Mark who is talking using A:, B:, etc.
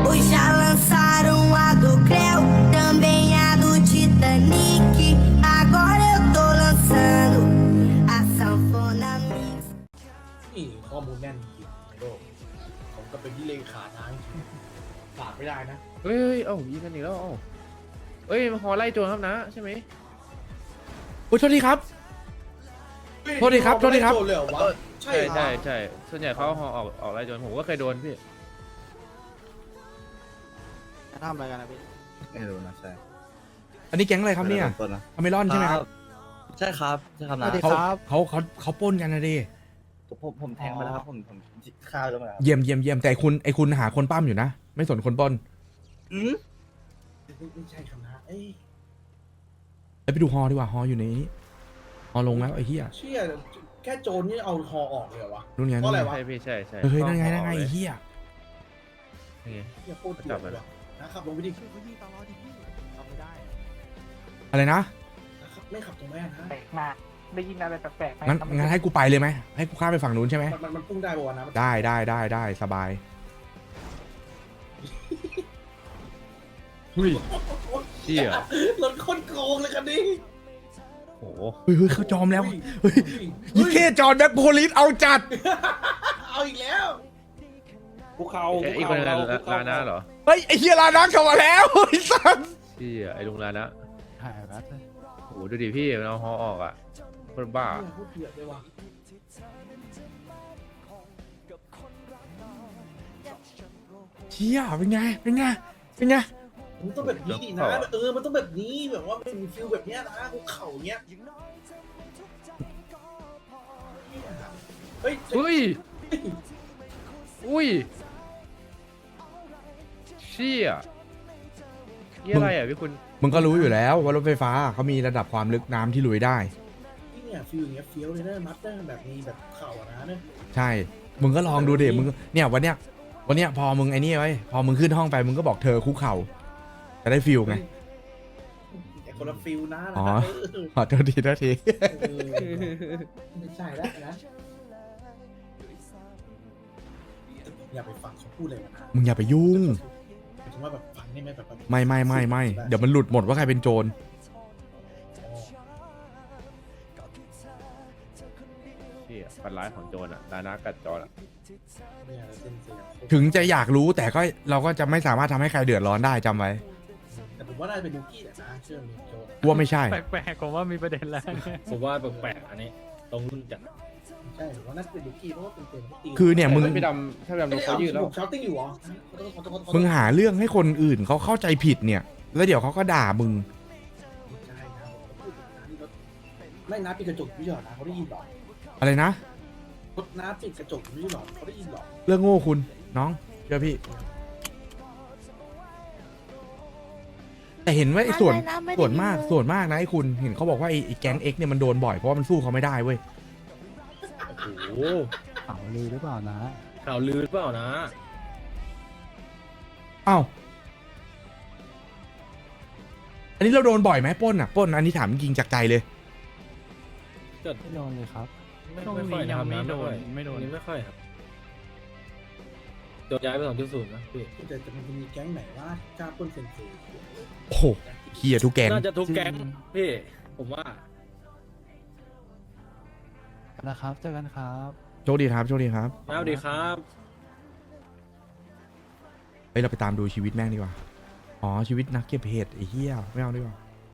A: Hoje já lançaram a do Creu, também a do Titanic. Agora eu tô lançando a sanfona mix.
B: นี่ข้อมูลแน่นจริงในโลกผมก็เป็นที่เลขาทางจริงขาดไม่ได้นะ
C: เฮ้ยเอ้ายิงกันอีกแล้วเอ้าเฮ้ยมาขอไล่โจรครับนะใช่ไหมโอ้ยโทษทีครับ โทษทีครับโทษทีครับ
B: โจเลยเหรอวะใช่
C: ใช่ใช่ส่วนใหญ่เขาออกไล่โจรผมก็เคยโดนพี่
D: ทำอะไรกันนะพี่
E: ไม่รู้นะใช่
F: อันนี้แก๊งอะไรครับเนี่ย
E: ต้นนะ
F: อเมรอนใช่ไหมครับ
E: ใช่ครับใช่ครับนะ
F: เขาปล้นกันนะดิ
E: ผมแทงไปแล้วครับผมฆ่าแล้วมาแล้ว
F: เยี่ยมแต่ไอคุณหาคนปั้มอยู่นะ ไม่สนคนปล้น
B: ไม่ใช่คำนะเอ้ย
F: แล้วไปดูฮอดีกว่าฮออยู่ในนี้ฮอลงแล้วไอ้เหี้ย
B: เชี่ยแค่โจรนี่เอาคอออกเลยเหรอวะ
F: นู่นไง
B: เพราะอะไรวะ
C: ใช่พี่ใช่ใช่
F: เฮ้ยนั่นไงไอ้
C: เลย
F: เหี้ย
C: นี่ไง
B: เชี่ยโคตรเถื่อนเลยว่ะนะครับลงไปดิ
D: ทำไม่ได้
F: อะไรนะ
B: นะครับไม่ขับตรงแม่นะ
G: แปลกมากได้ยินอะไรแปลกๆไหม
F: งั้นให้กูไปเลยไหมให้กูข้ามไปฝั่งนู้นใช่ไหม
B: มันพุ่งได้ป่าวะนะ
F: ได้สบาย
C: เฮ้ยเชี่ย
B: รถคนโกงเลยคันนี้
C: โอ้โห
F: เฮ้ยเขาจอมแล้วเฮ้ยยี่เท่จอนแบ็คโพลิสเอาจัด
B: เอาอีกแล้ว
D: ภูเขา
C: อีกคนนึงลานะเหรอ
F: เฮ้ยไอ้เหี้ยลานักเข้ามาแล้วไอ้สัส
C: เชี่ยไอ้ลุงลานะ
D: หายแป๊บเลย
C: โอ้โหดูดิพี่มันเอาฮอออกอ่ะคนบ้า
B: เนี่ยโคตรเถื่อนเลยว่ะ
F: เชี่ยเป็นไง
B: มันต้องแบบนี้ดินะมันต้องแบบนี้แบบว่าเป็นฟิลแบบเนี้ยนะภูเขาเนี้ยเฮ้ย
C: เฮ้ยอุ้ยเชี่ยนี่อะไรอ่ะพี่คุณ
F: มึงก็รู้อยู่แล้วว่ารถไฟฟ้าเขามีระดับความลึกน้ำที่ลุยได้
B: นี่เนี่ยฟิลอย่างเงี้ยเฟี้ยวเลยนะมัดได้แบบมีแบบเข่าอะนะเนี่ย
F: ใช่ มึงก็ลองดูดิมึงเนี่ยวันเนี้ยพอมึงไอ้นี่ไว้พอมึงขึ้นห้องไปมึงก็บอกเธอคุกเข่าจะได้ฟิลไง
B: แต่คนละฟิลนะ
F: อ๋อ
B: นะ
F: ขอโทษที
B: ไม่ใช่แล้วนะอย่าไปฟังเขาพูดเลยนะ
F: มึงอย่าไปยุ่ง
B: หมายถึงว่าแบบฟังได้ไหมแบบ
F: ไม่เดี๋ยวมันหลุดหมดว่าใครเป็นโจร
C: เชี่ยปันร้ายของโจรอ่ะลานะกัดโจรอ่ะ
B: เนี่ยเส้นเสียง
F: ถึงจะอยากรู้แต่ก็เราก็จะไม่สามารถทำให้ใครเดือดร้อนได้จำไว้
B: แต่ผมว่าน่าจะเป็นลูกี้แหละนะเชื่อมีโจร
F: กูว่าไม่ใช่
G: แปลกๆผมว่ามีประเด็นแล้ว
H: ผมว่าแปลกๆอันนี้ตรงรุ่นจัด
B: ใช่ผมว่าน่าจะเป็นลูกี้เพราะว่าเป็นเต็มตี
F: คือเนี่ยมึง
C: พี่ดำถ้าพี่ดำโดนเขายืดแล้ว
B: ผมชาร์ติ้งอยู่เหรอ
F: มึงหาเรื่องให้คนอื่นเขาเข้าใจผิดเนี่ย แล้วเดี๋ยวเขาก็ด่ามึง
B: ใช่นะไม่น้าปิดกระจกไม่ใช่หรอนะเขาได้ยินหรอ
F: อะไรนะ
B: รถน้าปิดกระจกไม่ใช่หรอเขาได้ยินหรอ
F: เรื่องโง่คุณน้องเชื่อพี่ แต่เห็นว่าไอ้ส่วนมากนะไอ้คุณเห็นเขาบอกว่าไอ้แก๊งเอ็กเนี่ยมันโดนบ่อยเพราะว่ามันสู้เขาไม่ได้เว้ย
H: โอ้โห
D: ข่าวลือหรือเปล่านะ
H: ข่าวลือหรือเปล่านะ
F: อ้าวอันนี้เราโดนบ่อยไหมปล้นอ่ะปล้นอันนี้ถามจริงจากใจเลย
D: ไม่โดนเลยครับ
H: ไม่ค่อยนะครับนะไม่ค่อย
G: ไม่โดน
H: ไม่ค่อยครับโดนย้ายไป2.0นะพี่
B: แต่มันจะมีแก๊งไหนว่ากล้าปล้นเซนเซ
F: โอ้โหเฮียทุกแก๊ง
H: น่าจะทุกแก๊งพี่ผมว่า
D: นะครับเจอกันครับ
F: โชคดีครับโชคดีครับ
H: สวัสดีครับ
F: เฮ้ยเราไปตามดูชีวิตแม่งดีกว่าอ๋อชีวิตนักเก็บเห็ดไอ้เหี้ยไม่เอาดีกว่า